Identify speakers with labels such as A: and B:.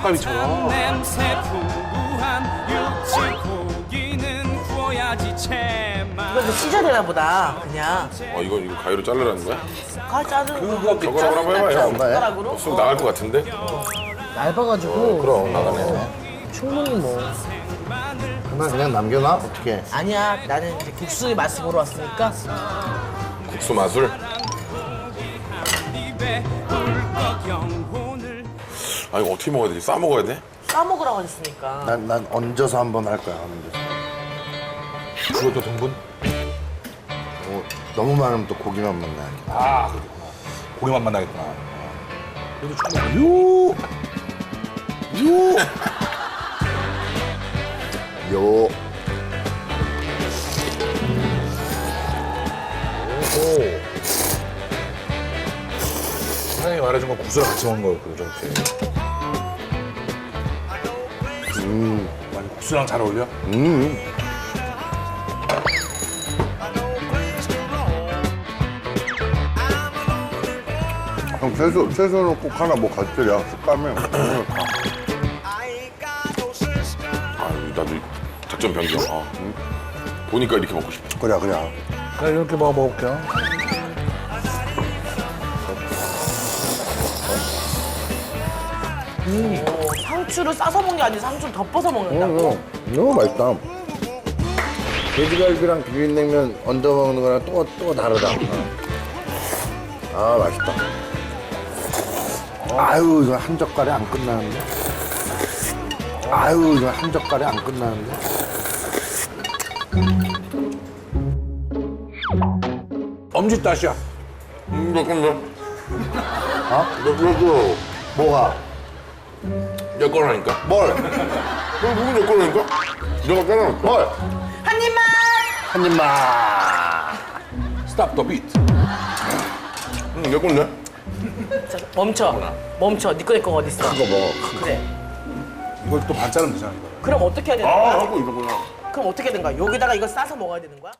A: 떡갈비처럼.
B: 냄새 풍부한 육즙 고기는 구워야지 제맛.
C: 이거 좀 찢어야 되나 보다. 그냥.
D: 이거 가위로 자르라는 거야?
C: 자르는
A: 그거
D: 저거랑 한번 해봐요.
C: 숟가락으로.
D: 쑥 나갈 것 같은데?
C: 얇아가지고
D: 그럼 나가네.
C: 충분히 뭐.
E: 그러면 그냥 남겨놔? 어떻게?
C: 아니야, 나는 이제 국수의 맛을 보러 왔으니까.
D: 국수 마술.
B: 입에 꿀꺽 영혼을
D: 이거 어떻게 먹어야 되지? 싸 먹어야 돼?
C: 싸 먹으라고 했으니까.
E: 난 얹어서 한번 할 거야. 얹어서.
A: 그것도 등분?
E: 너무 많으면 또 고기만 만나.
A: 아, 그렇구나. 고기만 만나겠구나. 그래도 충분히.
E: 요.
A: 사장님이 말해준 건 국수랑 같이 먹는 거였거든, 저렇게. 많이 국수랑 잘 어울려?
E: 형 채소는 꼭 하나 뭐 가져야 식감이.
D: 나도 작전 변경. 보니까 이렇게 먹고 싶어.
E: 그래.
A: 나 이렇게 먹어볼게요.
C: 상추를 싸서 먹는 게 아니라 상추를 덮어서 먹는다고?
E: 너무 맛있다. 돼지갈비랑 비빔냉면 얹어 먹는 거랑 또 다르다. 아, 맛있다. 아유, 이거 한 젓갈에 안 끝나는데? 아유, 이거 한 젓갈에 안 끝나는데?
A: 엄지다시야.
D: 잠깐만.
E: 너 뭐가?
D: 내 거라니까.
E: 뭘?
D: 너 누구 내 거라니까? 내가 따라.
E: 뭘?
C: 한 입만!
E: 한 입만.
A: 스탑 더 비트.
D: 내 건데?
C: 자, 멈춰. 네 거내 거가 어딨어?
E: 그거 먹어.
C: 그래.
A: 이걸 또 반 자르면 되잖아, 이거.
C: 그럼 어떻게 해야 되는 거야?
D: 하고 이러구나.
C: 그럼 어떻게 해야 되는 거야? 여기다가 이거 싸서 먹어야 되는 거야?